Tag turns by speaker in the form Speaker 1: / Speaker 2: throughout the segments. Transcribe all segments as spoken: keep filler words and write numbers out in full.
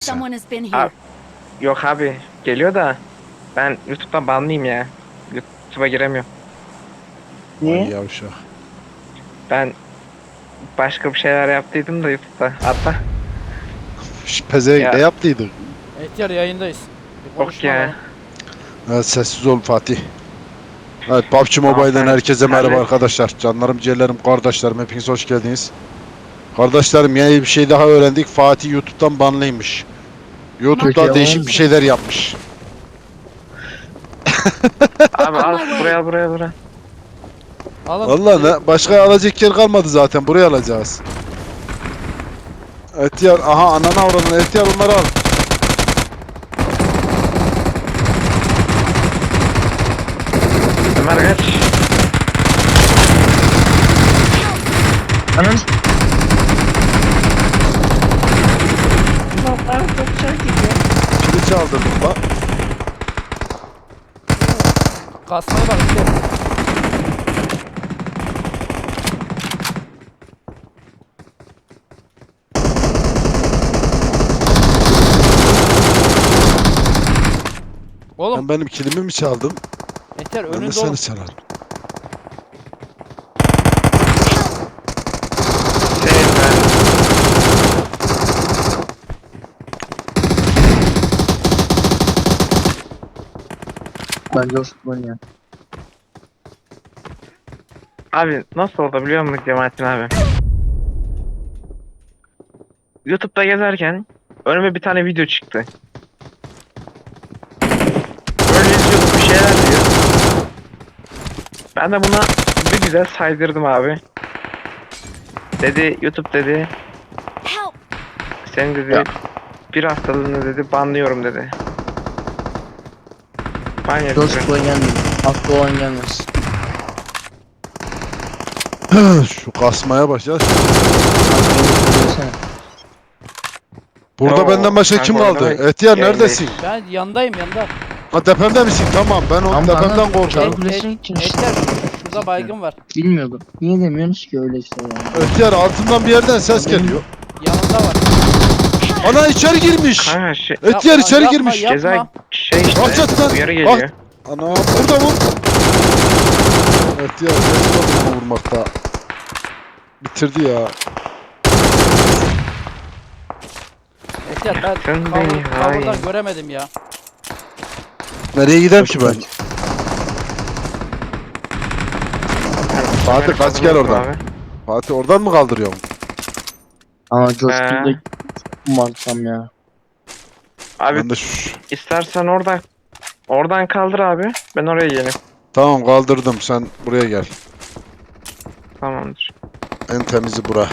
Speaker 1: Someone has been
Speaker 2: Abi,
Speaker 1: here.
Speaker 2: yok abi geliyor da ben YouTube'dan banlıyım ya. YouTube'a giremiyorum.
Speaker 3: Vay
Speaker 4: Niye?
Speaker 3: yavşak.
Speaker 2: Ben başka bir şeyler yaptıydım da YouTube'da. Hatta
Speaker 3: Şş, Pezevenk
Speaker 2: Ya.
Speaker 3: ne yaptıydık?
Speaker 5: Ehtiyar yayındayız. Bir
Speaker 2: yok
Speaker 5: konuşma
Speaker 2: ya.
Speaker 5: alalım.
Speaker 3: Evet, sessiz ol Fatih. Evet, P U B G
Speaker 2: Tamam,
Speaker 3: Mobile'den
Speaker 2: sen
Speaker 3: herkese merhaba
Speaker 2: hallet.
Speaker 3: arkadaşlar. Canlarım, ciğerlerim, kardeşlerim, hepiniz hoş geldiniz. Kardeşlerim, yeni bir şey daha öğrendik. Fatih YouTube'dan banlıymış. YouTube'da
Speaker 4: Peki,
Speaker 3: değişik
Speaker 4: oğlum.
Speaker 3: bir şeyler yapmış.
Speaker 2: Abi al
Speaker 1: On my way.
Speaker 2: buraya buraya buraya.
Speaker 5: Alın.
Speaker 3: Vallahi ne, başka alacak yer kalmadı zaten. Buraya alacağız. Etiyar, aha anana avradın. Etiyar, onları al.
Speaker 2: Ömer kaç.
Speaker 4: Anam.
Speaker 3: Kili çaldırdım bak.
Speaker 5: Kasmaya bak işte. Oğlum
Speaker 3: Ben benim kilimi mi çaldım?
Speaker 5: Ehtiyar
Speaker 3: Ben de
Speaker 5: önünde
Speaker 3: seni
Speaker 5: oğlum.
Speaker 3: çalarım.
Speaker 2: Senin ben.
Speaker 4: Bence o futbol ya.
Speaker 2: Abi nasıl oldu biliyor musun Cemalettin abi? YouTube'da gezerken önüme bir tane video çıktı. Böyle izliyordum, bir şeyler diyor. Ben de buna bir güzel saydırdım abi. Dedi YouTube dedi
Speaker 1: Help!
Speaker 2: senin dedi
Speaker 4: Ya.
Speaker 2: bir haftalığını dedi banlıyorum dedi. Ban
Speaker 4: Çok
Speaker 2: yedim.
Speaker 4: futbol gelmiyor. Haklı olan gelmez.
Speaker 3: Şu kasmaya başla.
Speaker 4: Bak, beni söylesene.
Speaker 3: Burada
Speaker 2: Yo,
Speaker 3: benden başka
Speaker 2: kanka
Speaker 3: kim
Speaker 2: orada
Speaker 3: kaldı?
Speaker 2: ben
Speaker 3: Etiyar
Speaker 2: yayındayım.
Speaker 3: neredesin?
Speaker 5: Ben yandayım yanda.
Speaker 3: Ha, tepemde misin? Tamam, ben o
Speaker 4: Ama
Speaker 3: tepemden
Speaker 4: bana-
Speaker 3: korkarım.
Speaker 4: Et- Kulesine gideceğiz işte.
Speaker 5: Ehtiyar şurada baygın var.
Speaker 4: Bilmiyordum. Niye demiyorsunuz ki öyle işte yani.
Speaker 3: Etiyar, altından bir yerden ses geliyor.
Speaker 5: Yanında var.
Speaker 3: Ana içeri girmiş.
Speaker 2: Kanka şey,
Speaker 3: Etiyar
Speaker 5: Yapma,
Speaker 3: içeri
Speaker 5: yapma,
Speaker 3: girmiş.
Speaker 5: yapma.
Speaker 2: ceza şey işte
Speaker 3: Hakikaten.
Speaker 2: uyarı geliyor.
Speaker 3: Ana burada mı? Etiyar geçti onu vurmakta. Bitirdi ya.
Speaker 5: Ehtiyar ben
Speaker 2: Sen
Speaker 5: cover-
Speaker 2: beni
Speaker 5: cover'dan
Speaker 2: hain.
Speaker 5: göremedim ya.
Speaker 3: Nereye gideyim ki ben? Fatih kaç gel oradan.
Speaker 2: Abi.
Speaker 3: Fatih oradan mı kaldırıyorum?
Speaker 4: Ama coşkunda
Speaker 2: Ee.
Speaker 4: kumarsam ya.
Speaker 2: Abi
Speaker 3: Ben de şu...
Speaker 2: istersen oradan oradan kaldır abi. Ben oraya geleyim.
Speaker 3: Tamam, kaldırdım, sen buraya gel.
Speaker 2: Tamamdır.
Speaker 3: En temizi bura.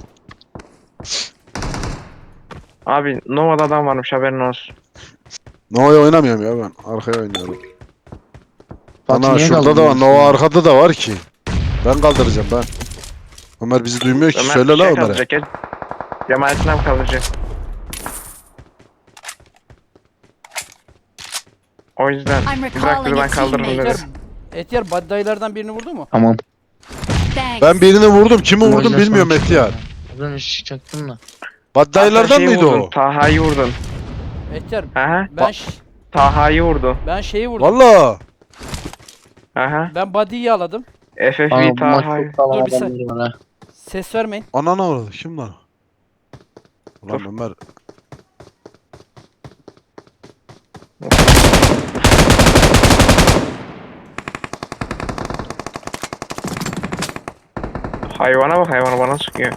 Speaker 2: Abi Nova'da adam varmış haberin olsun.
Speaker 3: Nova'ya oynamıyorum ya ben. Arkaya oynuyorum.
Speaker 4: Fatih
Speaker 3: Ana
Speaker 4: niye
Speaker 3: şurada da var.
Speaker 4: kaldırmıyorsun
Speaker 3: Nova
Speaker 4: ya?
Speaker 3: arkada da var ki. Ben kaldıracağım ben. Ömer bizi duymuyor ki.
Speaker 2: Ömer
Speaker 3: Söyle la
Speaker 2: şey
Speaker 3: Ömer'e.
Speaker 2: kaldıracak. Gel. Cemalettin abi kaldıracak. O yüzden
Speaker 1: I'm
Speaker 2: bırak
Speaker 1: recalling
Speaker 2: dedi ben
Speaker 1: a
Speaker 2: kaldırırım
Speaker 1: teammate.
Speaker 2: dedi.
Speaker 5: Ehtiyar, Ehtiyar baddaylardan birini vurdu mu?
Speaker 4: Tamam.
Speaker 1: Thanks.
Speaker 3: Ben birini vurdum. Kimi vurdum
Speaker 4: Oyundan
Speaker 3: bilmiyorum
Speaker 4: sonra
Speaker 3: Etiyar.
Speaker 4: çıktım ya. Az önce çıkacaktım da.
Speaker 3: Baddaylardan
Speaker 2: Hatta şeyi
Speaker 3: mıydı
Speaker 2: vurdun,
Speaker 3: o?
Speaker 2: Taha'yı vurdun.
Speaker 5: Ehtiyar
Speaker 2: Aha.
Speaker 5: ben ş-
Speaker 2: Taha'yı vurdu.
Speaker 5: ben şeyi vurdum.
Speaker 3: Valla.
Speaker 2: Aha.
Speaker 5: Ben body'yi aladım.
Speaker 2: F F
Speaker 4: Ama
Speaker 2: V
Speaker 4: bu maç
Speaker 2: Taha'yı.
Speaker 4: çok sağlam
Speaker 5: Dur bir sen-
Speaker 4: adamları var ha.
Speaker 5: Ses vermeyin.
Speaker 3: Anana uğradı. Kim lan? Ulan
Speaker 2: Dur.
Speaker 3: Ömer.
Speaker 2: Hayvana bak hayvana bana sıkıyor.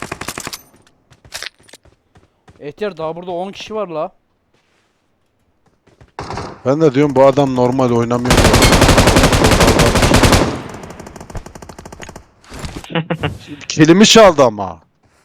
Speaker 5: Ehtiyar daha burada on kişi var la.
Speaker 3: Ben de diyorum bu adam normal oynamıyor. Kilimi çaldı ama.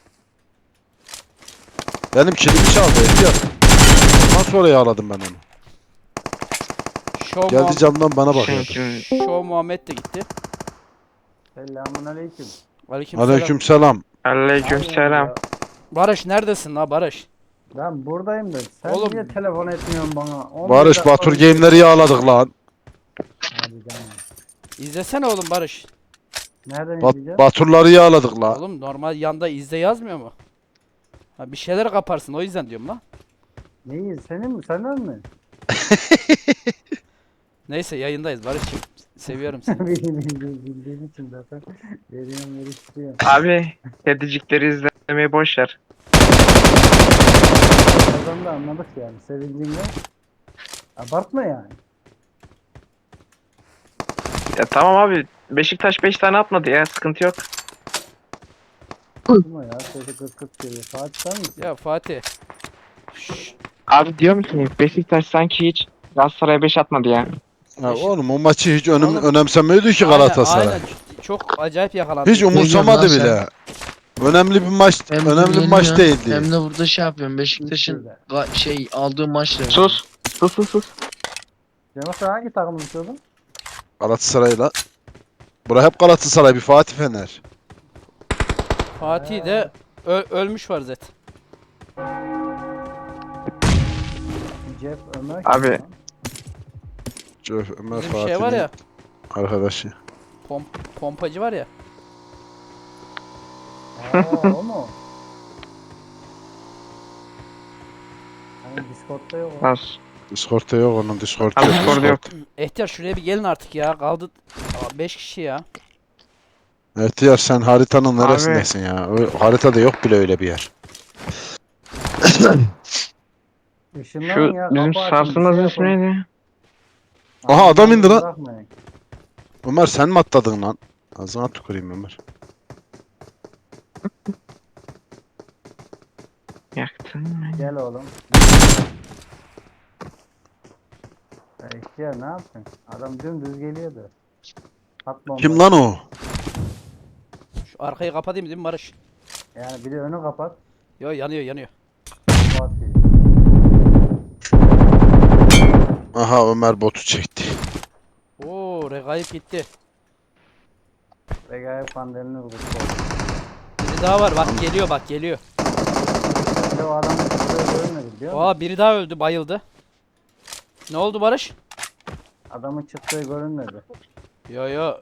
Speaker 3: Benim kilimi çaldı Etiyar. Ondan sonra yağladım ben onu.
Speaker 5: Show,
Speaker 3: Geldi
Speaker 5: Muhammed,
Speaker 3: camdan bana bakıyor.
Speaker 2: Çünkü
Speaker 5: Show Muhammed de gitti.
Speaker 6: Selamun aleyküm.
Speaker 5: Aleyküm,
Speaker 3: Aleyküm selam.
Speaker 2: aleyküm selam.
Speaker 5: Barış neredesin la Barış?
Speaker 6: Ben buradayım da sen
Speaker 5: Oğlum.
Speaker 6: niye telefon etmiyorsun bana? On
Speaker 3: Barış
Speaker 6: dakika
Speaker 3: Batur
Speaker 6: önce-
Speaker 3: game'leri yağladık lan.
Speaker 6: Hadi canım.
Speaker 5: İzlesene oğlum Barış.
Speaker 6: Nereden
Speaker 3: Bat
Speaker 6: izleyeceğiz?
Speaker 3: Baturları yağladık lan.
Speaker 5: Oğlum normal yanda izle yazmıyor mu? Ha, bir şeyler kaparsın o yüzden diyorum la.
Speaker 6: Neyi? Senin mi? Senden mi?
Speaker 5: Neyse yayındayız Barış'cığım. Seviyorum seni.
Speaker 6: Bildiğim, bildiğim, bildiğim için zaten veriyorum veriştiriyorum.
Speaker 2: Abi kedicikleri izlemeyi boş ver.
Speaker 6: Oradan da anladık yani. Sevincimle. Abartma yani.
Speaker 2: Ya tamam abi. Beşiktaş beş tane atmadı ya. Sıkıntı yok.
Speaker 6: Abartma ya. Sesi kıt kıt geliyor. Fatih sen misin?
Speaker 5: Ya Fatih. Şşş,
Speaker 2: Abi diyorum ki Beşiktaş sanki hiç Galatasaray'a beş atmadı ya.
Speaker 3: Ya oğlum o maçı hiç önem,
Speaker 5: Oğlum.
Speaker 3: önemsemiyordu ki
Speaker 5: aynen,
Speaker 3: Galatasaray.
Speaker 5: aynen. Çok acayip yakalandı.
Speaker 3: Hiç umursamadı
Speaker 4: diyorsun lan
Speaker 3: bile. Önemli bir maç,
Speaker 4: Hem
Speaker 3: önemli bir maç
Speaker 4: yeniliyorsun,
Speaker 3: değildi.
Speaker 4: Hem de burada şey yapıyorum. Beşiktaş'ın ga- şey aldığı maçla.
Speaker 2: Sus. Sus sus sus.
Speaker 6: Cemal sen hangi takımı tutuyordun?
Speaker 3: Galatasaray'la. Bura hep Galatasaray, bir Fatih Fener.
Speaker 5: Fatih de ö- ölmüş var zaten.
Speaker 6: Jeff Ömer.
Speaker 2: Abi.
Speaker 6: kim lan?
Speaker 3: Ömer
Speaker 5: Bizim şey
Speaker 3: Fatih'in
Speaker 5: var ya.
Speaker 3: arkadaşı.
Speaker 5: Pom pompacı var ya.
Speaker 6: Aa o mu? Hani Discord'da yok o.
Speaker 2: Nasıl?
Speaker 3: Discord'da yok onun, Discord'da
Speaker 2: Abi
Speaker 3: yok.
Speaker 2: Discord'da yok.
Speaker 5: Ehtiyar şuraya bir gelin artık ya. Kaldı beş kişi ya.
Speaker 3: Ehtiyar sen haritanın
Speaker 2: Abi.
Speaker 3: neresindesin ya? O, haritada yok bile öyle bir yer.
Speaker 6: Işınlanın
Speaker 2: Şu
Speaker 6: ya.
Speaker 2: bizim
Speaker 6: kapı açın, bir
Speaker 2: sarsılmaz
Speaker 6: şey
Speaker 2: ismi
Speaker 6: yapın.
Speaker 2: neydi?
Speaker 3: Aha, adam indi lan.
Speaker 6: Bırakmayın.
Speaker 3: Ömer sen mi atladın lan? Ağzına tüküreyim Ömer.
Speaker 2: Yaktın mı?
Speaker 6: Gel oğlum. Ya ihtiyar ne yaptın? Adam dümdüz geliyordu. At bombayı.
Speaker 3: Kim lan o?
Speaker 5: Şu arkayı kapatayım değil mi Barış?
Speaker 6: Yani bir de önü kapat.
Speaker 5: Yo yanıyor yanıyor.
Speaker 6: Fatih.
Speaker 3: Aha, Ömer botu çekti.
Speaker 5: Oo regaip gitti.
Speaker 6: Regaip pandemini vurdu.
Speaker 5: Biri daha var bak geliyor bak geliyor.
Speaker 6: Bir de o adamın çıktığı görünmedi biliyor musun?
Speaker 5: Aa biri daha öldü bayıldı. Ne oldu Barış?
Speaker 6: Adamın çıktığı görünmedi.
Speaker 5: Yo yo.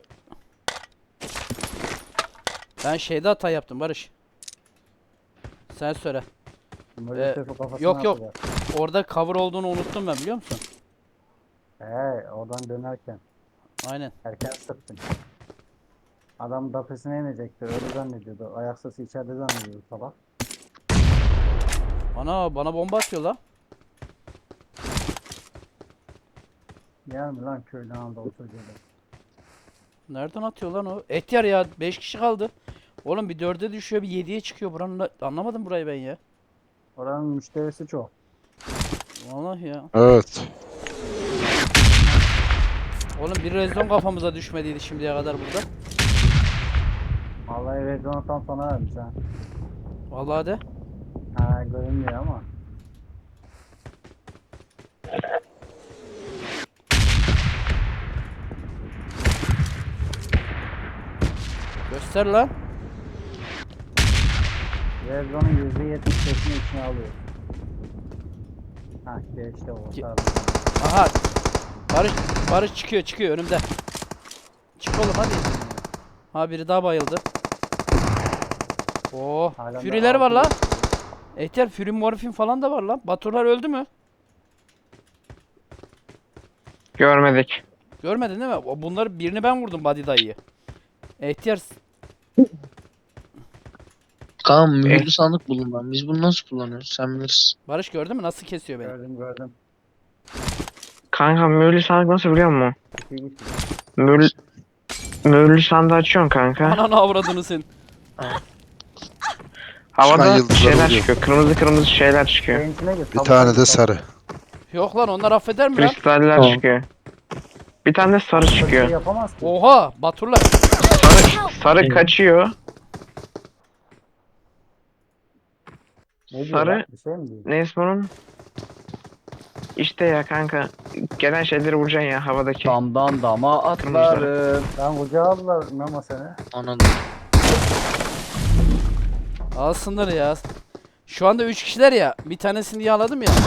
Speaker 5: Ben şeyde hata yaptım Barış. Sen söyle.
Speaker 6: Maalesef o kafasına
Speaker 5: yok, yok.
Speaker 6: atacak.
Speaker 5: Orada cover olduğunu unuttum ben biliyor musun?
Speaker 6: He oradan dönerken.
Speaker 5: Aynen.
Speaker 6: Erken sıktın. Adam dapesine inecekti. Öyle zannediyordu. Ayak sesi içeride zannediyordu sabah.
Speaker 5: Ana bana bomba atıyor la.
Speaker 6: Yer mi lan köyden Anadolu çocuğu da?
Speaker 5: Nereden atıyor lan o? Ehtiyar ya beş kişi kaldı. Oğlum bir dörde düşüyor bir yediye çıkıyor buranın da- anlamadım burayı ben ya.
Speaker 6: Oranın müşterisi çok.
Speaker 5: Vallahi ya.
Speaker 3: Evet.
Speaker 5: Oğlum bir rezon kafamıza düşmediydi şimdiye kadar burada.
Speaker 6: Vallahi Rezon'a tam sana vermiş ha.
Speaker 5: Vallahi de.
Speaker 6: Ha görünmüyor ama.
Speaker 5: Göster lan.
Speaker 6: Rezon'un yüzde yetmiş beşini içine alıyor. Ha geçti o.
Speaker 5: Ki-
Speaker 6: Tamam.
Speaker 5: Aha. Barış Barış çıkıyor çıkıyor önümde. Çık oğlum hadi. Ha biri daha bayıldı. Oo,
Speaker 6: Halen de
Speaker 5: Fury'ler var
Speaker 6: altı
Speaker 5: lan.
Speaker 6: geçiyor.
Speaker 5: Ehtiyar Fury Morphin falan da var lan. Baturlar öldü mü?
Speaker 2: Görmedik.
Speaker 5: Görmedin değil mi? O- Bunları birini ben vurdum Body dayıyı. Ehtiyar
Speaker 4: Kaan mühürlü sandık bulun lan. Biz bunu nasıl kullanıyoruz? Sen bilirsin.
Speaker 5: Barış gördün mü nasıl kesiyor beni?
Speaker 6: Gördüm gördüm.
Speaker 2: Kanka mühürlü sandık nasıl biliyor musun?
Speaker 6: İki gitti.
Speaker 2: Mühürlü, mühürlü sandığı açıyorsun kanka.
Speaker 5: Ananı avradını sen.
Speaker 2: Havada
Speaker 3: yıldızlar
Speaker 2: şeyler
Speaker 3: oluyor.
Speaker 2: çıkıyor. Kırmızı kırmızı şeyler çıkıyor.
Speaker 6: Benimkine git.
Speaker 3: Bir tane de sarı.
Speaker 5: Yok lan onlar affeder mi lan?
Speaker 2: Kristaller
Speaker 4: Tamam.
Speaker 2: çıkıyor. Bir tane de sarı
Speaker 6: Bir şey
Speaker 2: çıkıyor.
Speaker 6: yapamaz ki.
Speaker 5: Oha Baturlar.
Speaker 2: Sarı, sarı kaçıyor.
Speaker 6: Ne diyor
Speaker 2: sarı-
Speaker 6: lan? Bir şey mi diyor?
Speaker 2: Ne ismi onun? İşte ya kanka. Gelen şeyleri vuracaksın ya havadaki.
Speaker 7: Damdan dama atlarım.
Speaker 6: Lan kucağa aldılar Memo seni.
Speaker 4: Anladım.
Speaker 5: Alsınlar ya. Şu anda üç kişiler ya. Bir tanesini yağladım ya.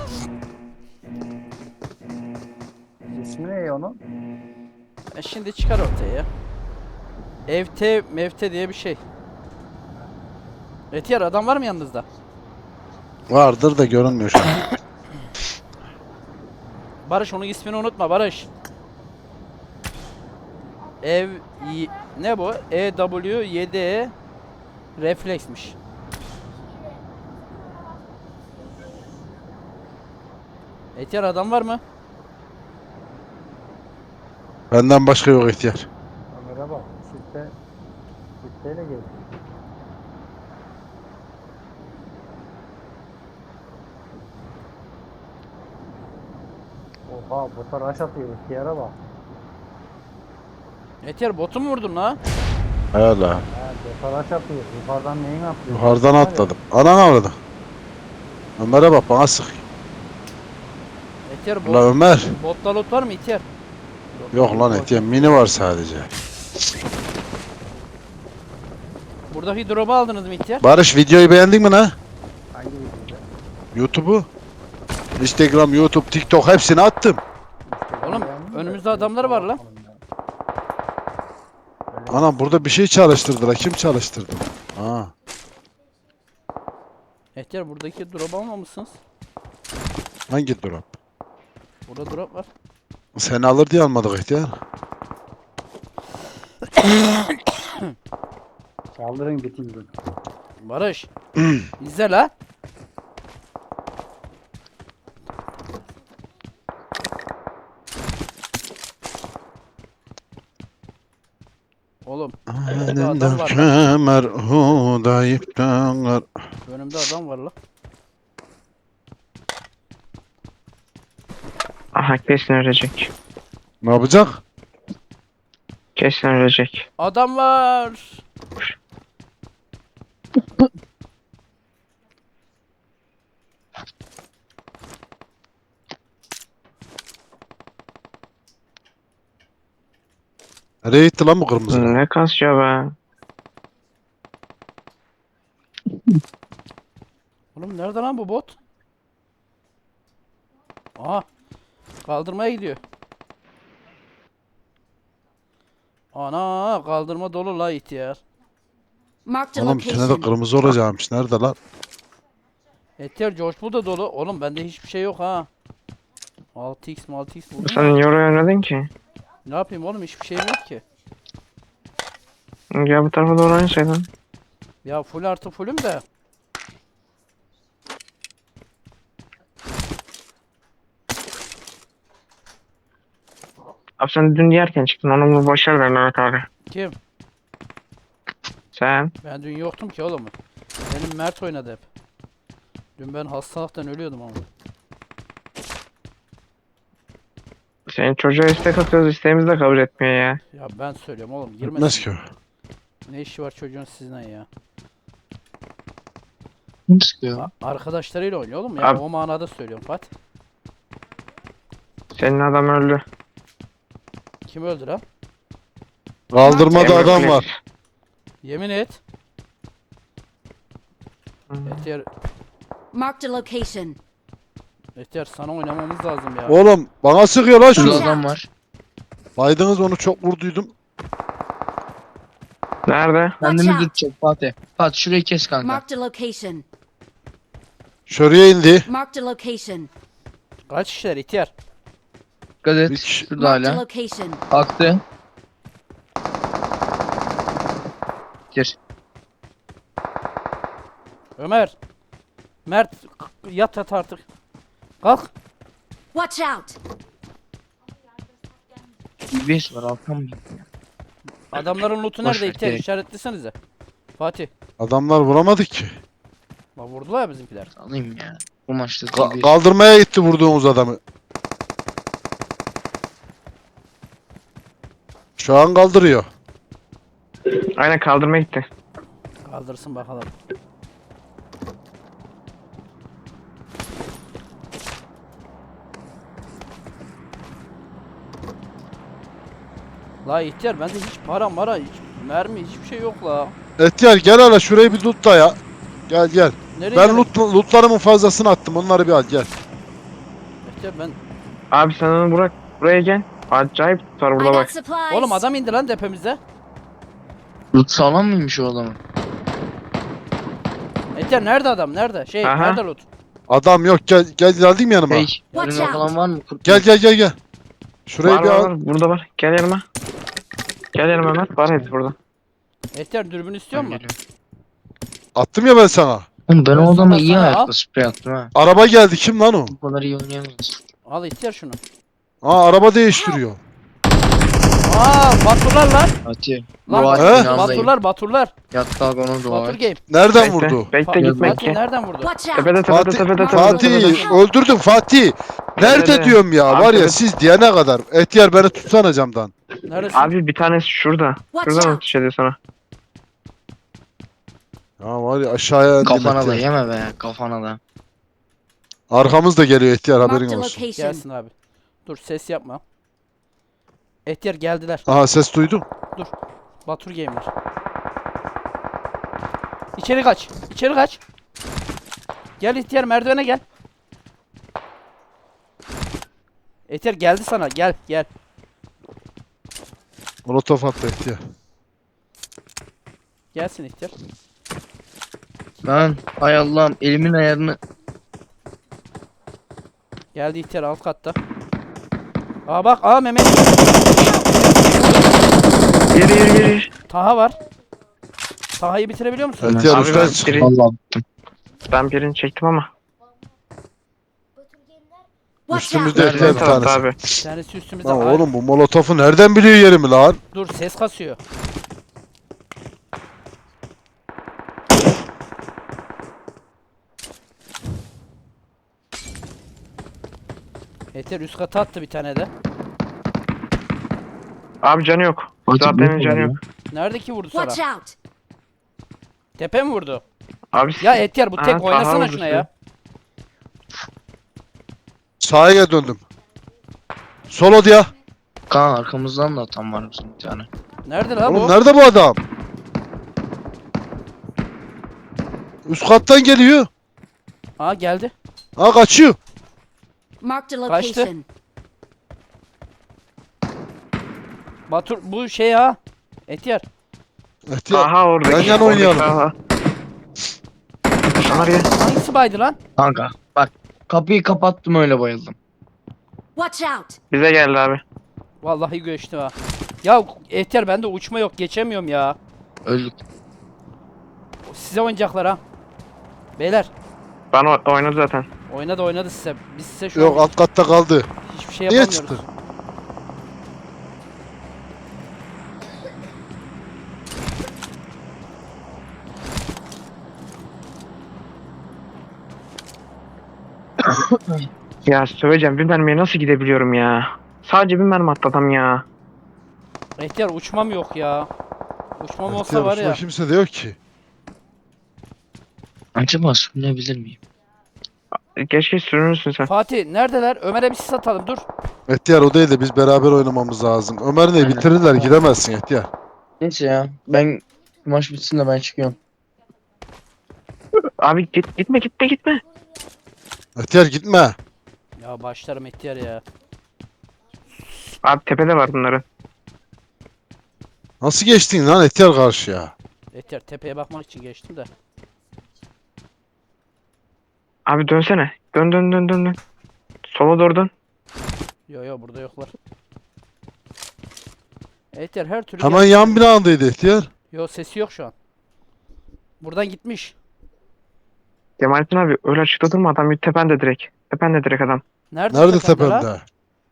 Speaker 6: İsmi ne onun?
Speaker 5: E şimdi çıkar ortaya ya. Evte mevte diye bir şey. Etiyar adam var mı yanınızda?
Speaker 3: Vardır da görünmüyor şu an.
Speaker 5: Barış onun ismini unutma Barış. Ev y- ne bu? E W yedi E refleksmiş. Etiyar adam var mı?
Speaker 3: Benden başka yok ihtiyar.
Speaker 6: Ömer'e bak. Çifte, çifteyle geldi. Oha bota rush atıyor. İhtiyara bak.
Speaker 5: Etiyar botu mu vurdun la?
Speaker 3: Hala.
Speaker 6: Ha bota rush atıyor. Yukarıdan neyin atlıyor?
Speaker 3: Yukarıdan
Speaker 6: Var ya,
Speaker 3: atladım. Anan avradım. Ömer'e bak bana sık.
Speaker 5: Etiyar
Speaker 3: Ulan
Speaker 5: bot,
Speaker 3: Ömer.
Speaker 5: botta loot var mı Etiyar?
Speaker 3: Yok lan ihtiyar mini var sadece.
Speaker 5: Buradaki drop'u aldınız mı Etiyar?
Speaker 3: Barış videoyu beğendin mi lan?
Speaker 6: Hangi videoda?
Speaker 3: YouTube'u? Instagram, YouTube, TikTok hepsini attım.
Speaker 5: Oğlum,
Speaker 6: Beğendin mi?
Speaker 5: önümüzde adamlar var lan.
Speaker 6: Bakalım ya. Öyle
Speaker 3: Anam burada bir şey çalıştırdılar. Kim çalıştırdı? Ha.
Speaker 5: Etiyar buradaki drop almamışsınız.
Speaker 3: Hangi drop?
Speaker 5: Burada drop var.
Speaker 3: Seni alır diye almadık ihtiyar.
Speaker 6: Kaldırın bitirdim.
Speaker 5: Barış. İzle la. Oğlum önümde adam var lan.
Speaker 3: Kemer hudayıp döner.
Speaker 5: Önümde adam var la.
Speaker 2: Aha kesin ölecek.
Speaker 3: Ne yapacak?
Speaker 2: Kesin ölecek.
Speaker 5: Adam var.
Speaker 3: Nereye gitti lan bu kırmızı?
Speaker 2: Ne kasıyor be.
Speaker 5: Oğlum nerede lan bu bot? Aha. Kaldırmaya gidiyor. Ana kaldırma dolu la ihtiyar.
Speaker 1: Marked a
Speaker 3: Oğlum içine de
Speaker 1: location.
Speaker 3: kırmızı olacakmış. Nerede lan?
Speaker 5: Etiyar George bu da dolu. Oğlum bende hiçbir şey yok ha. altı x altı x buldum
Speaker 2: Sen
Speaker 5: ya.
Speaker 2: niye oraya oynadın ki?
Speaker 5: Ne yapayım oğlum hiçbir şeyim yok ki.
Speaker 2: Gel bu tarafa doğru oynasaydın.
Speaker 5: Ya full artı fullüm de.
Speaker 2: Abi sen dün yerken çıktın. Onu mu boşver ver Mehmet abi.
Speaker 5: Kim?
Speaker 2: Sen.
Speaker 5: Ben dün yoktum ki oğlum. Benim Mert oynadı hep. Dün ben hastalıktan ölüyordum ama.
Speaker 2: Senin çocuğa istek atıyoruz. İsteğimizi de kabul etmiyor ya.
Speaker 5: Ya ben söylüyorum oğlum
Speaker 3: Gitmez
Speaker 5: girmesin.
Speaker 3: ki o.
Speaker 5: Ne işi var çocuğun sizden ya?
Speaker 4: Kim sıkıyor?
Speaker 5: A- Arkadaşlarıyla oynuyor oğlum ya.
Speaker 2: Abi-
Speaker 5: O manada söylüyorum Fatih.
Speaker 2: Senin adam öldü.
Speaker 5: Kim öldü lan?
Speaker 3: Kaldırmada
Speaker 2: Emre
Speaker 3: adam
Speaker 2: Flex.
Speaker 3: var.
Speaker 5: Yemin et.
Speaker 2: Hmm.
Speaker 5: Etiyar,
Speaker 1: Marked a location.
Speaker 5: Etiyar sana oynamamız lazım ya.
Speaker 3: Oğlum bana sıkıyor lan
Speaker 4: Şurada
Speaker 3: şu.
Speaker 4: adam var.
Speaker 3: Baydınız onu çok vurduydum.
Speaker 2: Nerede?
Speaker 4: Kendini
Speaker 1: out.
Speaker 4: tutacak Fatih. Fatih şurayı kes kanka.
Speaker 1: Marked a location.
Speaker 3: Şuraya indi.
Speaker 1: Marked a location.
Speaker 5: Kaç kişiler Etiyar?
Speaker 4: Dikkat et.
Speaker 3: Bir kişi-
Speaker 4: Şurada
Speaker 1: Marked a
Speaker 4: hala.
Speaker 1: location.
Speaker 4: Aktı. Gir.
Speaker 5: Ömer. Mert k- yat yat artık. Kalk.
Speaker 1: Watch out.
Speaker 4: D B S var alttan mı gitti?
Speaker 5: Adamların lootu
Speaker 4: Boş
Speaker 5: nerede
Speaker 4: ver,
Speaker 5: İhtiyar?
Speaker 4: gerek.
Speaker 5: İşaretlesenize. Fatih.
Speaker 3: Adamlar vuramadık ki.
Speaker 5: Bak vurdular ya bizimkiler.
Speaker 4: Alayım ya. Bu maçta
Speaker 3: Ka-
Speaker 4: D B S.
Speaker 3: kaldırmaya gitti vurduğumuz adamı. Şu an kaldırıyor.
Speaker 2: Aynen kaldırmaya gitti.
Speaker 5: Kaldırsın bakalım. La ihtiyar bende hiç para mara hiç mermi hiçbir şey yok la.
Speaker 3: Etiyar gel hele şurayı bir loot da ya. Gel gel.
Speaker 5: Nereye
Speaker 3: Ben
Speaker 5: gelin?
Speaker 3: loot, lootlarımın fazlasını attım. Onları bir al gel.
Speaker 5: İhtiyar ben.
Speaker 2: Abi sen onu bırak. Buraya gel. Acayip tutar
Speaker 1: I
Speaker 2: burada
Speaker 1: got
Speaker 2: bak.
Speaker 1: supplies.
Speaker 5: Oğlum adam indi lan tepemize.
Speaker 4: Loot sağlam mıymış o adamın?
Speaker 5: İhtiyar nerede adam nerede? Şey
Speaker 2: Aha.
Speaker 5: nerede loot?
Speaker 3: Adam yok, gel gel geldim yanıma.
Speaker 4: Hey,
Speaker 1: Watch
Speaker 4: yarın
Speaker 1: out.
Speaker 4: falan var mı? Kurt
Speaker 3: Gel gel gel gel. Şurayı
Speaker 2: Var
Speaker 3: bir
Speaker 2: var
Speaker 3: al.
Speaker 2: var. Burada var. Gel yanıma. Gel yanıma Mehmet. Var hepsi burada.
Speaker 5: Ehtiyar dürbün istiyor
Speaker 4: Ben
Speaker 5: musun?
Speaker 4: geliyorum.
Speaker 3: Attım ya ben sana.
Speaker 4: Oğlum ben
Speaker 5: Ben
Speaker 4: o adama
Speaker 5: sana-
Speaker 4: iyi
Speaker 5: sana
Speaker 4: ayakla
Speaker 5: al.
Speaker 4: sprey attım ha.
Speaker 3: Araba geldi, kim lan o?
Speaker 4: Bu kadar iyi oynayamayız.
Speaker 5: Al ihtiyar şunu.
Speaker 3: Aa, araba değiştiriyor.
Speaker 5: Aa Baturlar lan.
Speaker 4: Fatih.
Speaker 5: Lan
Speaker 4: Dua
Speaker 3: He?
Speaker 4: et inandayım.
Speaker 5: Baturlar Baturlar.
Speaker 4: Yat kalk onu dua
Speaker 5: Batur
Speaker 4: et.
Speaker 5: game.
Speaker 3: Nereden
Speaker 2: Bekle.
Speaker 3: vurdu?
Speaker 2: Bekle
Speaker 5: Fa-
Speaker 2: gitme
Speaker 5: Fatih
Speaker 2: ki.
Speaker 5: nereden vurdu?
Speaker 1: Watch out!
Speaker 2: Tepede tepede
Speaker 3: Fatih,
Speaker 2: tepede tepede tepede.
Speaker 3: Fatih öldürdüm Fatih. Nerede
Speaker 2: Tepede.
Speaker 3: diyorum ya,
Speaker 2: Abi
Speaker 3: var ya
Speaker 2: tepede.
Speaker 3: siz diyene kadar. Etiyar beni tutsana camdan.
Speaker 5: Neredesin?
Speaker 2: Abi bir tanesi şurada.
Speaker 1: Watch
Speaker 2: Şuradan
Speaker 1: out!
Speaker 2: atış ediyor sana.
Speaker 3: Ya var ya, aşağıya indim
Speaker 4: Kafana da
Speaker 3: Etiyar.
Speaker 4: yeme be kafana da.
Speaker 3: Arkamız da geliyor Etiyar, haberin
Speaker 1: Marked a
Speaker 3: olsun.
Speaker 1: location.
Speaker 5: Gelsin abi. Dur ses yapma. Ehtiyar geldiler.
Speaker 3: Aha, ses duydum.
Speaker 5: Batur game'ler. İçeri kaç. İçeri kaç. Gel ihtiyar merdivene gel. Ehtiyar geldi sana. Gel gel.
Speaker 3: Molotof attı Etiyar.
Speaker 5: Gelsin ihtiyar.
Speaker 4: Lan hay Allah'ım elimin ayarını.
Speaker 5: Geldi ihtiyar alt katta. Aa bak aa Mehmet.
Speaker 2: Yürü yürü yürü.
Speaker 5: Taha var. Taha'yı bitirebiliyor musun?
Speaker 3: Etiyar
Speaker 2: Abi
Speaker 3: üstten
Speaker 2: ben
Speaker 3: çık.
Speaker 2: biri-
Speaker 4: Vallahi bittim.
Speaker 2: Ben birini çektim ama.
Speaker 1: Watch
Speaker 3: Üstümüzde
Speaker 1: out!
Speaker 3: Etiyar
Speaker 2: Ön
Speaker 3: bir
Speaker 2: tarafta
Speaker 3: tanesi.
Speaker 2: abi.
Speaker 5: Bir tanesi üstümüzde.
Speaker 3: Lan
Speaker 5: Ay,
Speaker 3: oğlum, bu molotofu nereden biliyor yerimi lan?
Speaker 5: dur ses kasıyor. Ehtiyar üst kata attı bir tane de.
Speaker 2: Abi canı yok.
Speaker 4: Fatih,
Speaker 2: Zaten
Speaker 4: bu
Speaker 2: canı
Speaker 4: ne
Speaker 2: yok.
Speaker 5: Nerede ki vurdu sana?
Speaker 1: Watch out!
Speaker 5: Tepe mi vurdu?
Speaker 2: Abi
Speaker 5: Ya Ehtiyar bu tek
Speaker 2: Aha,
Speaker 5: oynasana
Speaker 2: Taha
Speaker 5: şuna
Speaker 2: vurdu
Speaker 5: ya.
Speaker 3: Sağa gel döndüm. Solo diye.
Speaker 4: Kaan arkamızdan da atan var bizim bir tane.
Speaker 5: Nerede lan
Speaker 3: Oğlum
Speaker 5: bu?
Speaker 3: nerede bu adam? Üst kattan geliyor.
Speaker 5: Aa geldi.
Speaker 3: Ha, kaçıyor.
Speaker 1: Marked a
Speaker 5: Kaçtı.
Speaker 1: location.
Speaker 5: Batur bu şey ha. Ehtiyar.
Speaker 3: Etiyar.
Speaker 2: Aha oradaki.
Speaker 3: Yan yana
Speaker 2: oradaki
Speaker 3: oynayalım.
Speaker 2: Taha. Ömer gel.
Speaker 5: Hangisi baydı lan?
Speaker 4: Kanka bak kapıyı kapattım öyle bayıldım.
Speaker 1: Watch out!
Speaker 2: Bize geldi abi.
Speaker 5: Vallahi göçtü ha. Ya Ehtiyar bende uçma yok geçemiyorum ya.
Speaker 4: Öldük.
Speaker 5: Size oynayacaklar ha. Beyler
Speaker 2: Ben o- oynadı zaten.
Speaker 5: oynadı oynadı size. Biz size şu
Speaker 3: Yok,
Speaker 5: an
Speaker 3: alt katta kaldı.
Speaker 5: hiçbir şey
Speaker 3: Niye
Speaker 5: yapamıyoruz.
Speaker 3: çıktı?
Speaker 2: Ya söyleyeceğim bir mermiye nasıl gidebiliyorum ya. Sadece bir mermi attı adam ya.
Speaker 5: Ehtiyar uçmam yok ya. Uçmam olsa
Speaker 3: Etiyar,
Speaker 5: var
Speaker 3: üstüne
Speaker 5: ya.
Speaker 3: kimse de yok ki.
Speaker 4: Acaba sürünebilir miyim?
Speaker 2: Keşke sürünürsün sen.
Speaker 5: Fatih neredeler? Ömer'e bir sis atalım dur.
Speaker 3: Etiyar, o değil de biz beraber oynamamız lazım. Ömer ne
Speaker 4: Aynen.
Speaker 3: bitirirler, gidemezsin Etiyar.
Speaker 4: Neyse ya ben maç bitsin de ben çıkıyorum.
Speaker 2: Abi git gitme gitme gitme.
Speaker 3: Etiyar gitme.
Speaker 5: Ya başlarım Ehtiyar ya.
Speaker 2: Abi tepede var bunların.
Speaker 3: Nasıl geçtin lan Etiyar karşıya?
Speaker 5: Ehtiyar tepeye bakmak için geçtim de.
Speaker 2: Abi dönsene. Dön dön dön dön dön. Sola doğru dön.
Speaker 5: Yo yo burada yoklar. Ehtiyar her türlü
Speaker 3: Hemen
Speaker 5: gel-
Speaker 3: yan binadaydı Etiyar.
Speaker 5: Yo sesi yok şu an. Buradan gitmiş.
Speaker 2: Cemalettin abi öyle açıkta durma adam tepende direkt. Tepende direkt adam.
Speaker 5: Nerede,
Speaker 3: Nerede
Speaker 5: tepende lan?
Speaker 3: tepemde?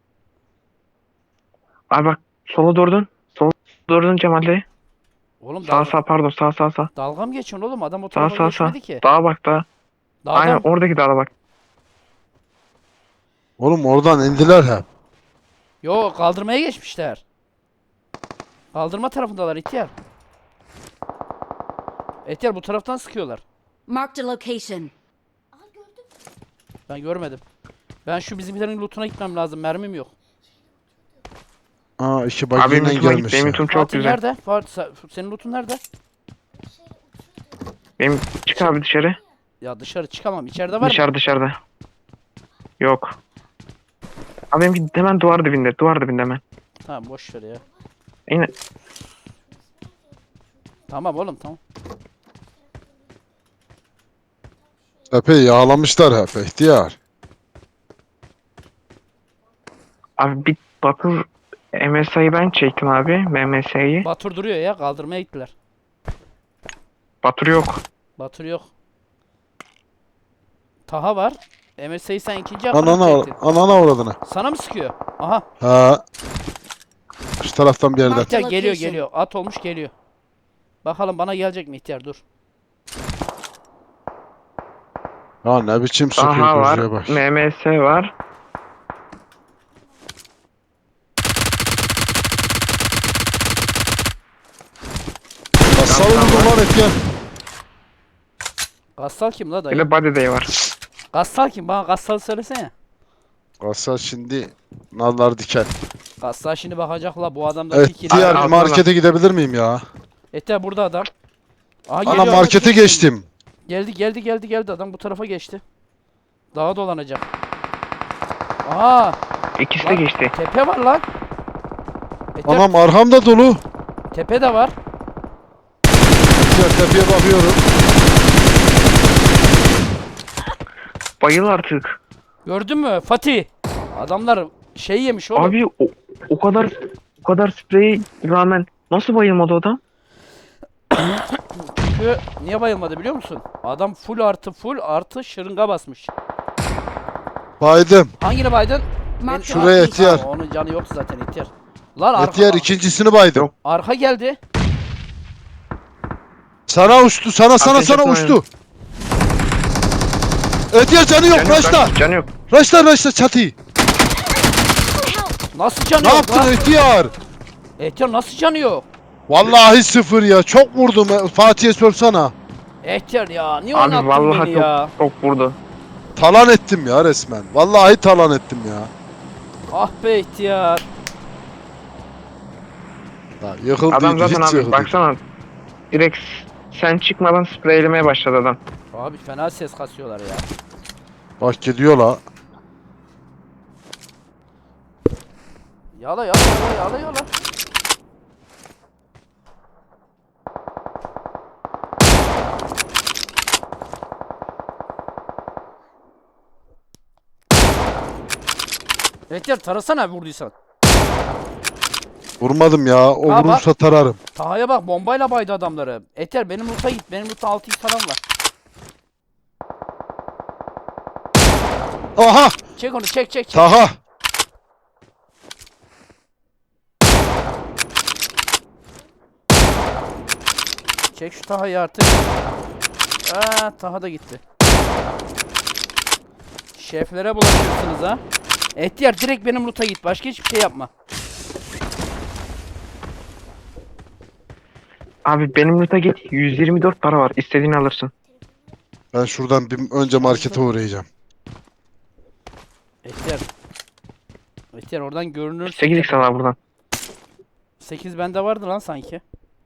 Speaker 2: Abi bak sola doğru dön. Sola doğru dön Cemal Bey.
Speaker 5: Oğlum
Speaker 2: Sağ
Speaker 5: dalga,
Speaker 2: sağ pardon sağ sağ sağ.
Speaker 5: dalga mı geçiyorsun oğlum? Adam o
Speaker 2: Sağ
Speaker 5: tarafa
Speaker 2: sağ sağ.
Speaker 5: geçmedi ki.
Speaker 2: Dağa bak dağa.
Speaker 5: Dağdan
Speaker 2: Aynen oradaki dağa bak.
Speaker 3: Oğlum oradan indiler hep.
Speaker 5: Yo kaldırmaya geçmişler. Kaldırma tarafındalar ihtiyar. Ehtiyar bu taraftan sıkıyorlar.
Speaker 1: Marked a location.
Speaker 5: Ben görmedim. Ben şu bizimkilerin lootuna gitmem lazım. Mermim yok.
Speaker 3: Aa, iki
Speaker 2: Abi benim
Speaker 3: bagiyle
Speaker 2: lootuma git.
Speaker 3: gelmiş.
Speaker 2: Benim
Speaker 3: ya.
Speaker 2: lootum çok
Speaker 5: Fatih
Speaker 2: güzel.
Speaker 5: nerede? Fatih, sen- senin lootun nerede?
Speaker 2: Benim çık abi dışarı.
Speaker 5: Ya dışarı çıkamam. İçeride var mı?
Speaker 2: Dışarı dışarıda. Yok. Abi benimki hemen duvar dibinde. Duvar dibinde hemen.
Speaker 5: Tamam boş ver ya.
Speaker 2: Yine
Speaker 5: Tamam oğlum tamam.
Speaker 3: Epey yağlamışlar hep ihtiyar.
Speaker 2: Abi bir Batur M S I'yi ben çektim abi. M M S'yi.
Speaker 5: Batur duruyor ya, kaldırmaya gittiler.
Speaker 2: Batur yok.
Speaker 5: Batur yok. Taha var. M S A'yı sen ikinci akıllı
Speaker 3: Anana,
Speaker 5: çektin.
Speaker 3: anana uğradığına.
Speaker 5: Sana mı sıkıyor? Aha.
Speaker 3: Ha. Şu taraftan bir yerden.
Speaker 5: İhtiyar geliyor
Speaker 1: Location.
Speaker 5: geliyor. At olmuş geliyor. Bakalım bana gelecek mi ihtiyar, dur.
Speaker 3: Ya ne biçim
Speaker 2: Daha
Speaker 3: sıkıyor
Speaker 2: var.
Speaker 3: gözüye bak.
Speaker 2: M M S var.
Speaker 3: Kasal vurdu lan ihtiyar.
Speaker 5: Gassal kim la
Speaker 2: Bir
Speaker 5: dayı?
Speaker 2: de Body Day var.
Speaker 5: Gassal kim? Bana Gassal söylesene.
Speaker 3: Kasal şimdi nallar diken.
Speaker 5: Gassal şimdi bakacak la bu adamda bir kill.
Speaker 3: İhtiyar
Speaker 2: Al,
Speaker 3: bir
Speaker 2: al,
Speaker 3: markete gidebilir miyim ya?
Speaker 5: İhtiyar burada adam. Aha
Speaker 3: Ana
Speaker 5: geliyor.
Speaker 3: markete geçtim.
Speaker 5: Geldi geldi geldi geldi adam bu tarafa geçti. Dağa dolanacak. Aa,
Speaker 2: İkisi de
Speaker 5: Lan.
Speaker 2: geçti.
Speaker 5: tepe var lan. İhtiyar,
Speaker 3: Anam arhamda dolu.
Speaker 5: tepe de var.
Speaker 3: İhtiyar tepeye bakıyorum.
Speaker 2: Bayıl artık.
Speaker 5: Gördün mü Fatih? Adamlar şey yemiş oğlum.
Speaker 2: Abi o, o kadar o kadar spreyi rağmen nasıl bayılmadı o adam?
Speaker 5: Çünkü niye bayılmadı biliyor musun? Adam full artı full artı şırınga basmış.
Speaker 3: Baydım.
Speaker 5: Hangini baydın?
Speaker 1: Mark the
Speaker 3: Şuraya
Speaker 1: location.
Speaker 3: ihtiyar.
Speaker 5: Aa, onun canı yok zaten ihtiyar. Lan arka,
Speaker 3: İhtiyar ikincisini baydım.
Speaker 2: Yok.
Speaker 5: arka geldi.
Speaker 3: Sana uçtu. Sana sana
Speaker 2: Ateş
Speaker 3: sana
Speaker 2: etme
Speaker 3: uçtu. İhtiyar canı yok.
Speaker 2: Canı yok,
Speaker 3: Raşla.
Speaker 2: canı yok.
Speaker 3: Raşla raşla çatıyı.
Speaker 5: Nasıl canı
Speaker 3: Ne
Speaker 5: yok
Speaker 3: yaptın
Speaker 5: lan?
Speaker 3: ihtiyar?
Speaker 5: İhtiyar nasıl canı yok?
Speaker 3: Vallahi sıfır ya. Çok vurdum. Fatih'e sorsana.
Speaker 5: İhtiyar ya niye
Speaker 2: Abi
Speaker 5: oynattın
Speaker 2: vallahi
Speaker 5: beni
Speaker 2: çok,
Speaker 5: ya?
Speaker 2: çok vurdu.
Speaker 3: Talan ettim ya resmen. Vallahi talan ettim ya.
Speaker 5: Ah be ihtiyar.
Speaker 3: Ya yıkıldı.
Speaker 2: Adam zaten
Speaker 3: hiç
Speaker 2: abi
Speaker 3: yıkıldı.
Speaker 2: baksana. Direkt sen çıkmadan spreylemeye başladı adam.
Speaker 5: Abi fena ses kasıyorlar ya.
Speaker 3: Bak gidiyor la.
Speaker 5: Yala yala yala yala yala. İhtiyar tarasana vurduysan.
Speaker 3: Vurmadım ya. O
Speaker 5: Ha, bak.
Speaker 3: vurursa tararım.
Speaker 5: Taha'ya bak bombayla baydı adamları. Eter benim loot'a git. Benim loot'ta altı x falan var.
Speaker 3: Aha!
Speaker 5: Çek onu çek çek çek.
Speaker 3: Taha!
Speaker 5: Çek şu Taha'yı artık. Aa, Taha da gitti. Şeflere bulaşıyorsunuz ha. Ehtiyar direkt benim loot'a git. Başka hiçbir şey yapma.
Speaker 2: Abi benim loot'a git. yüz yirmi dört para var. İstediğini alırsın.
Speaker 3: Ben şuradan bir önce markete uğrayacağım.
Speaker 5: Ehtiyar. Ehtiyar oradan görünür.
Speaker 2: sekiz x al buradan.
Speaker 5: sekiz bende vardı lan sanki.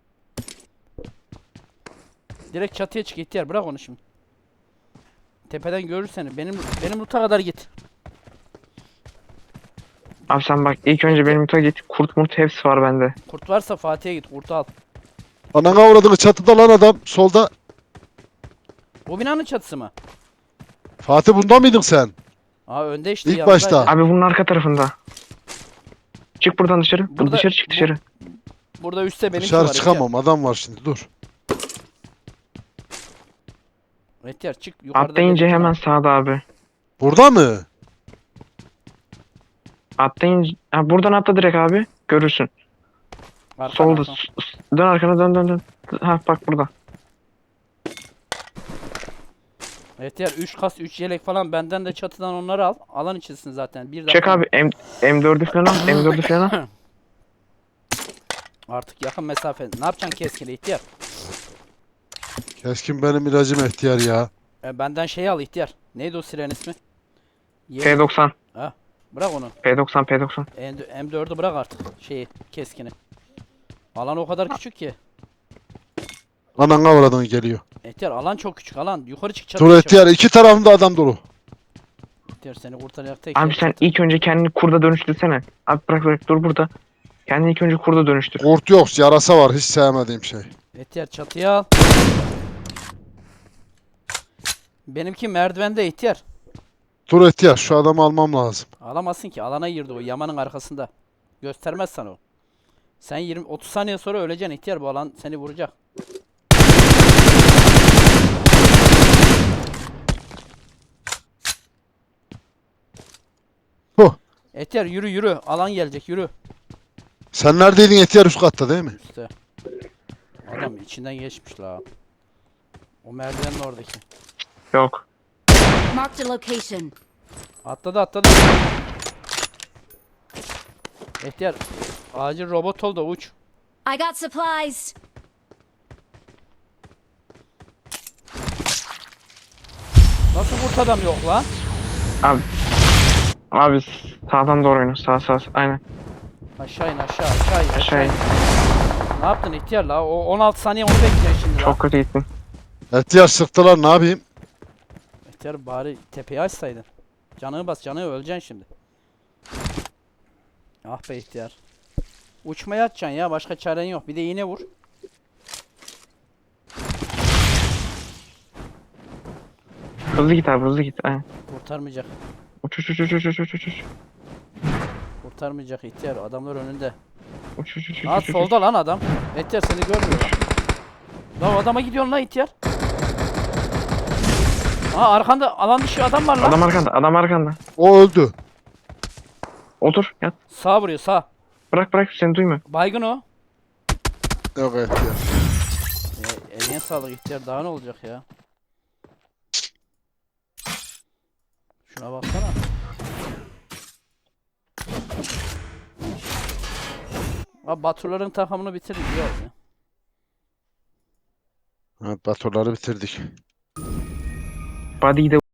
Speaker 5: Direkt çatıya çık ihtiyar. Bırak onu şimdi. Tepeden görür seni. Benim benim loot'a kadar git.
Speaker 2: Abi sen bak ilk önce benim loot'a git. Kurt murt hepsi var bende.
Speaker 5: Kurt varsa Fatih'e git. Kurtu al.
Speaker 3: Anana uğradığını çatıda lan adam. Solda.
Speaker 5: Bu binanın çatısı mı?
Speaker 3: Fatih bunda mıydın sen?
Speaker 5: Aa önde işte.
Speaker 3: İlk
Speaker 5: yanındaydı.
Speaker 3: başta.
Speaker 2: Abi bunun arka tarafında. Çık buradan dışarı. Bu
Speaker 5: Burada-
Speaker 2: dışarı çık
Speaker 5: bu-
Speaker 2: dışarı.
Speaker 5: Burada üstte benimki
Speaker 3: Dışarı
Speaker 5: var.
Speaker 3: çıkamam. Adam var şimdi. Dur.
Speaker 5: Ehtiyar. Ehtiyar çık. Yukarıda
Speaker 2: Atlayınca
Speaker 5: benimki
Speaker 2: hemen
Speaker 5: var.
Speaker 2: sağda abi.
Speaker 3: Burada mı?
Speaker 2: Atlayınca... Ha, buradan atla direkt abi. Görürsün.
Speaker 5: Arka,
Speaker 2: Solda.
Speaker 5: arka.
Speaker 2: s- s- Dön arkana dön dön dön. Ha bak burada.
Speaker 5: Ehtiyar üç kas üç yelek falan benden de çatıdan onları al. Alan içinsin zaten. Bir
Speaker 2: Çek
Speaker 5: dakika.
Speaker 2: abi M M4'ü falan al. M dördü falan al.
Speaker 5: Artık yakın mesafe. Ne yapacaksın keskili ihtiyar?
Speaker 3: Keskin benim ilacım ihtiyar ya.
Speaker 5: E, benden şey al ihtiyar. Neydi o siren ismi? Ye-
Speaker 2: P doksan.
Speaker 5: Bırak onu.
Speaker 2: P doksan P doksan.
Speaker 5: M dördü bırak artık. Şeyi keskini. Alan o kadar küçük ki.
Speaker 3: Anana uğradığını geliyor.
Speaker 5: Ehtiyar alan çok küçük alan. Yukarı çık çatıya
Speaker 3: Dur
Speaker 5: çık.
Speaker 3: ihtiyar. iki tarafında adam dolu.
Speaker 5: Ehtiyar seni kurtaracak tek
Speaker 2: Abi
Speaker 5: yer
Speaker 2: sen
Speaker 5: çatı.
Speaker 2: ilk önce kendini kurda dönüştürsene. Abi bırak bırak dur burada. Kendini ilk önce kurda dönüştür.
Speaker 3: Kurt yok. Yarasa var. Hiç sevmediğim şey.
Speaker 5: Ehtiyar çatıya al. Benimki merdivende ihtiyar.
Speaker 3: Dur ihtiyar şu adamı almam lazım.
Speaker 5: Alamazsın ki. Alana girdi o. Yamanın arkasında. Göstermez sana o. Sen yirmi otuz saniye sonra öleceksin ihtiyar. Bu alan seni vuracak.
Speaker 3: Huh.
Speaker 5: İhtiyar yürü yürü. Alan gelecek yürü.
Speaker 3: Sen neredeydin ihtiyar, üst katta değil mi?
Speaker 5: İşte. Adam içinden geçmiş la. O merdivenin oradaki.
Speaker 2: Yok.
Speaker 1: Marked a location.
Speaker 5: Atladı atladı. İhtiyar. Acil robot ol da uç.
Speaker 1: I got supplies.
Speaker 5: Nasıl kurt adam yok lan?
Speaker 2: Abi. Abi sağdan doğru oyna. Sağ sağ. sağ. Aynen.
Speaker 5: Aşağı in aşağı aşağı in aşağı
Speaker 2: Aşağı
Speaker 5: in.
Speaker 2: in.
Speaker 5: Ne yaptın ihtiyar la? O on altı saniye onu bekliyorsun şimdi la.
Speaker 2: Çok kötü gittin.
Speaker 3: İhtiyar sıktılar, ne yapayım?
Speaker 5: İhtiyar bari tepeyi açsaydın. Canını bas canını öleceksin şimdi. Ah be ihtiyar. Uçmaya atacaksın ya, başka çaren yok. Bir de iğne vur.
Speaker 2: Hızlı git abi hızlı git. Aynen.
Speaker 5: Kurtarmayacak.
Speaker 2: Uç uç uç uç uç uç uç uç.
Speaker 5: Kurtarmayacak ihtiyar. Adamlar önünde.
Speaker 2: Uç uç uç uç.
Speaker 5: Aa
Speaker 2: uç, uç.
Speaker 5: solda lan adam. İhtiyar seni görmüyor lan. Lan o adama gidiyorsun lan ihtiyar. Aa arkanda alan dışı adam var lan.
Speaker 2: Adam arkanda adam arkanda.
Speaker 3: O öldü.
Speaker 2: Otur yat.
Speaker 5: Sağ vuruyor sağ.
Speaker 2: Bırak bırak seni duymuyor.
Speaker 5: Baygın o.
Speaker 3: Yok ihtiyar.
Speaker 5: Ya, eline sağlık ihtiyar, daha ne olacak ya. Şuna baksana. Abi Baturların takımını bitirdik ya.
Speaker 3: Evet, Baturları bitirdik.
Speaker 2: Body'yi de